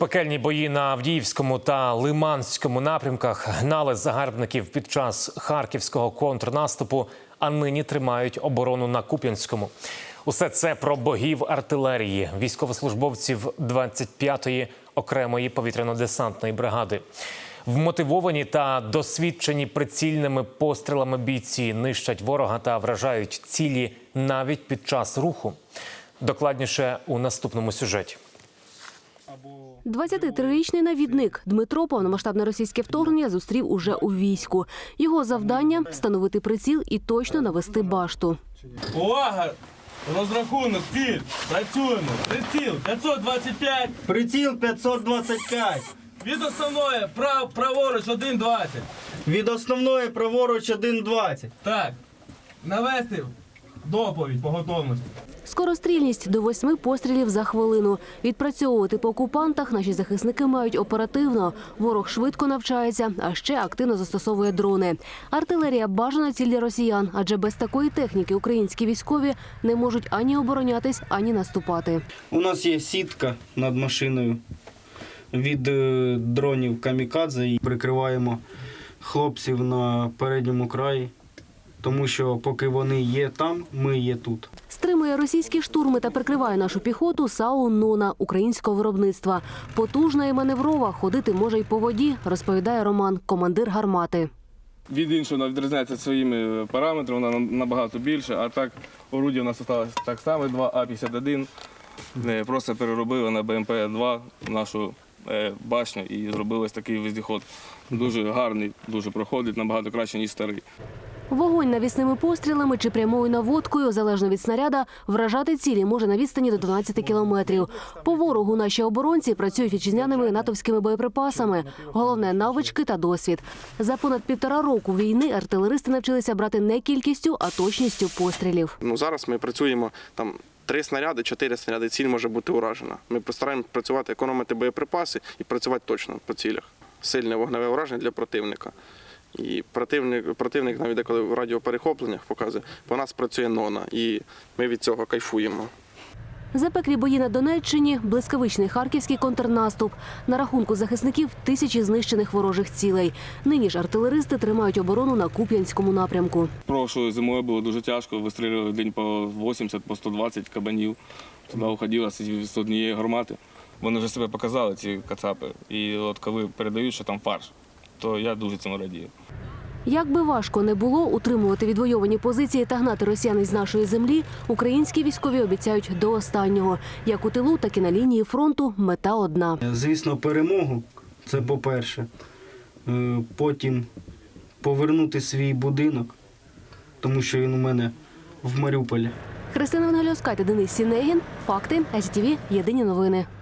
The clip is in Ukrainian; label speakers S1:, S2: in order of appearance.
S1: Пекельні бої на Авдіївському та Лиманському напрямках гнали загарбників під час харківського контрнаступу, а нині тримають оборону на Куп'янському. Усе це про богів артилерії, військовослужбовців 25-ї окремої повітряно-десантної бригади. Вмотивовані та досвідчені прицільними пострілами бійці нищать ворога та вражають цілі навіть під час руху. Докладніше у наступному сюжеті.
S2: 23-річний навідник Дмитро повномасштабне російське вторгнення зустрів уже у війську. Його завдання – встановити приціл і точно навести башту.
S3: Увага! Розрахунок, ціль! Працюємо! Приціл 525!
S4: Приціл 525!
S3: Від основної праворуч 1,20.
S4: Від основної праворуч 1,20.
S3: Так, навести доповідь по готовності.
S2: Скорострільність до 8 пострілів за хвилину. Відпрацьовувати по окупантах наші захисники мають оперативно. Ворог швидко навчається, а ще активно застосовує дрони. Артилерія – бажана ціль для росіян, адже без такої техніки українські військові не можуть ані оборонятись, ані наступати.
S4: У нас є сітка над машиною від дронів камікадзе. І прикриваємо хлопців на передньому краї, тому що поки вони є там, ми є тут.
S2: Стримує російські штурми та прикриває нашу піхоту САУ «Нона» українського виробництва. Потужна і маневрова, ходити може й по воді, розповідає Роман, командир гармати.
S5: Від іншого відрізняється своїми параметрами, вона набагато більше, а так орудія у нас залишилось так само, 2 А-51. Просто переробили на БМП-2 нашу башню і зробили ось такий вездеход. Дуже гарний, дуже проходить, набагато краще, ніж старий.
S2: Вогонь навісними пострілами чи прямою наводкою, залежно від снаряда, вражати цілі може на відстані до 12 кілометрів. По ворогу наші оборонці працюють вітчизняними натовськими боєприпасами. Головне – навички та досвід. За понад 1,5 року війни артилеристи навчилися брати не кількістю, а точністю пострілів.
S6: Зараз ми працюємо, 3 снаряди, 4 снаряди, ціль може бути уражена. Ми постараємося працювати, економити боєприпаси і працювати точно по цілях. Сильне вогневе ураження для противника. І противник навіть деколи в радіоперехопленнях показує, по нас працює «Нона», і ми від цього кайфуємо.
S2: Запеклі бої на Донеччині, блискавичний харківський контрнаступ. На рахунку захисників – тисячі знищених ворожих цілей. Нині ж артилеристи тримають оборону на Куп'янському напрямку.
S5: Прошлою зимою було дуже тяжко, вистрілювали в день по 80, по 120 кабанів. Туди уходило з однієї гармати. Вони вже себе показали, ці кацапи. І от коли передають, що там фарш, то я дуже цьому радію.
S2: Як би важко не було утримувати відвойовані позиції та гнати росіян із нашої землі, українські військові обіцяють до останнього. Як у тилу, так і на лінії фронту мета одна.
S4: Звісно, перемогу – це по-перше. Потім повернути свій будинок, тому що він у мене в Маріуполі.
S2: Христина Вангельовська та Денис Сінегін. Факти. СТВ. Єдині новини.